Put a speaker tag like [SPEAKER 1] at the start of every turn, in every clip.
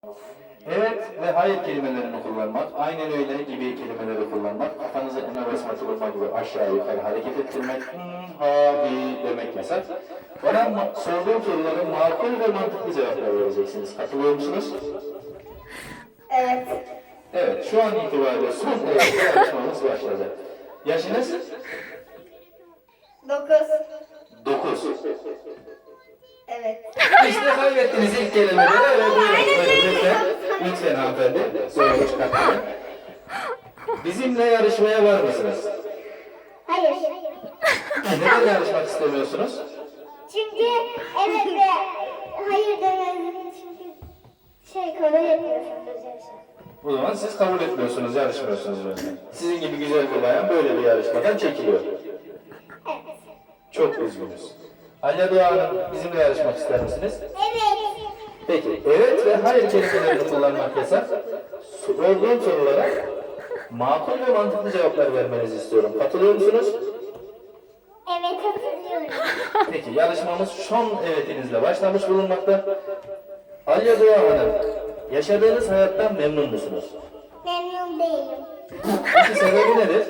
[SPEAKER 1] Evet ve hayır kelimelerini kullanmak, aynen öyle gibi kelimeleri kullanmak, kafanızı öne basma tutulma gibi aşağı yukarı hareket ettirmek, ha, bi demek yasak. Bana sorduğum sorulara makul ve mantıklı cevaplar vereceksiniz. Katılıyor musunuz?
[SPEAKER 2] Evet.
[SPEAKER 1] Evet, şu an itibariyle son derece yarışmamız başladı. Yaşınız?
[SPEAKER 2] 9.
[SPEAKER 1] 9.
[SPEAKER 2] Evet.
[SPEAKER 1] İşte kaybettiniz ilk kelimeleri. Evet, buyurun, lütfen. Lütfen hanımefendi. Sorumu çıkartmayın. Bizimle yarışmaya var mısınız?
[SPEAKER 2] Hayır.
[SPEAKER 1] Neden yarışmak istemiyorsunuz?
[SPEAKER 2] Çünkü evet ve hayır demeniz çünkü kabul etmiyorsunuz yarışa.
[SPEAKER 1] O zaman siz kabul etmiyorsunuz, yarışmıyorsunuz. Sizin gibi güzel bir bayan böyle bir yarışmadan çekiliyor.
[SPEAKER 2] Evet.
[SPEAKER 1] Çok üzgünüz. Alya Doğa Hanım, bizimle yarışmak ister misiniz?
[SPEAKER 2] Evet.
[SPEAKER 1] Peki, evet ve hayır kelimelerini kullanmak yasak. Sorduğum sorulara makul ve mantıklı cevaplar vermenizi istiyorum. Katılıyor musunuz?
[SPEAKER 2] Evet, hatırlıyorum.
[SPEAKER 1] Peki, yarışmamız son evetinizle başlamış bulunmakta. Alya Doğa Hanım, yaşadığınız hayattan memnun musunuz?
[SPEAKER 2] Memnun değilim.
[SPEAKER 1] Peki sebebi nedir?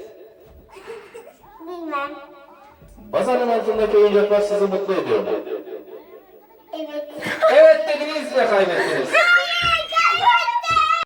[SPEAKER 2] Bilmem.
[SPEAKER 1] Bazanın altındaki oyuncaklar sizi mutlu ediyor mu?
[SPEAKER 2] Evet.
[SPEAKER 1] Evet dediniz ve kaybettiniz.